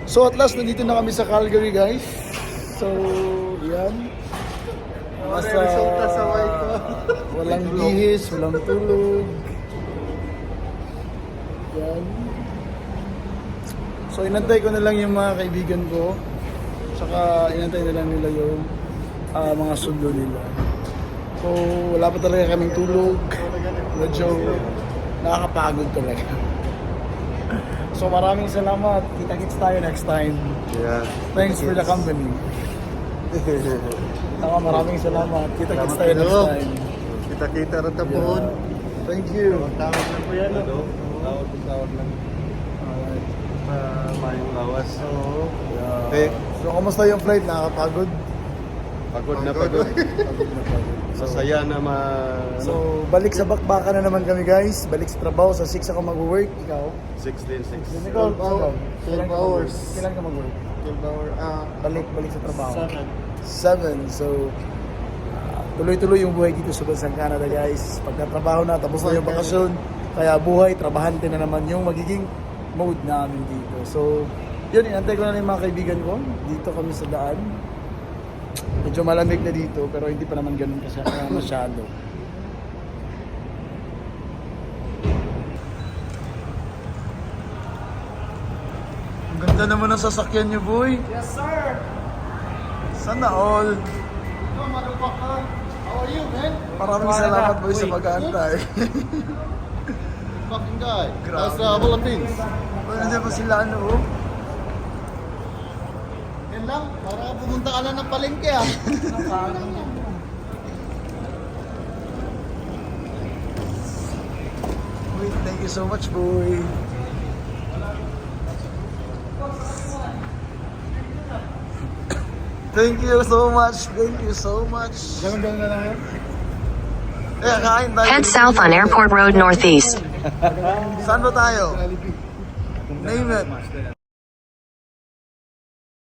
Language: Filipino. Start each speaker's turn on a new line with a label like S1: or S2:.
S1: So at last, nandito na kami sa Calgary, guys. So, yan. Nasa, walang bihis, walang tulog. Yan. So, inantay ko na lang yung mga kaibigan ko. Saka, inantay na lang nila yung mga sundo nila. So, wala pa talaga kaming tulog. Medyo nakakapagod talaga. So maraming salamat. Kita-kits tayo next time.
S2: Yeah.
S1: Thanks for the company. Saka maraming salamat. Kita-kits tayo next time.
S2: Kita-kita rin tapuhon.
S1: Thank you.
S2: Tawag lang po yan. Tawag lang.
S1: Alright.
S2: Mayong lawas.
S1: So,
S2: Eh,
S1: so kamusta yung flight? Nakakapagod?
S2: pagod na pagod.
S1: Pagod na pagod.
S2: Sasaya na
S1: So, balik sa bakbakan na naman kami, guys. Balik sa trabaho. Sa 6 ako mag-work. Ikaw?
S2: 6 din, 6.
S1: Ikaw?
S2: 12 hours.
S1: Kailan ka mag-work?
S2: 12 hours.
S1: Balik sa trabaho. 7. So, tuloy-tuloy yung buhay dito sa bansang Canada, guys. Pagkatrabaho na, tapos na yung bakasyon. Kaya buhay, trabahante na naman yung magiging mode namin dito. So, yun, inantay ko na yung mga kaibigan ko. Dito kami sa daan. Medyo malamig na dito, pero hindi pa naman ganun kasi masyado. Ang ganda naman ng sasakyan niyo, boy.
S3: Yes, sir.
S1: Sana all.
S3: Yo, motherfucker. How are you, man?
S1: Maraming salamat, boy, sa pag-aantay.
S3: Fucking guy.
S1: Grabe.
S3: That's Philippines.
S1: Nandiyan pa sila, ano, oh.
S3: Yan lang. Para pumunta ka lang ng palengke, ah.
S1: Wait, thank you so much, boy. Thank you so much. Thank you so much. Ganun na lang yun. Eh, kain tayo.
S4: Head south on Airport Road Northeast.
S1: Saan ba tayo? Name it.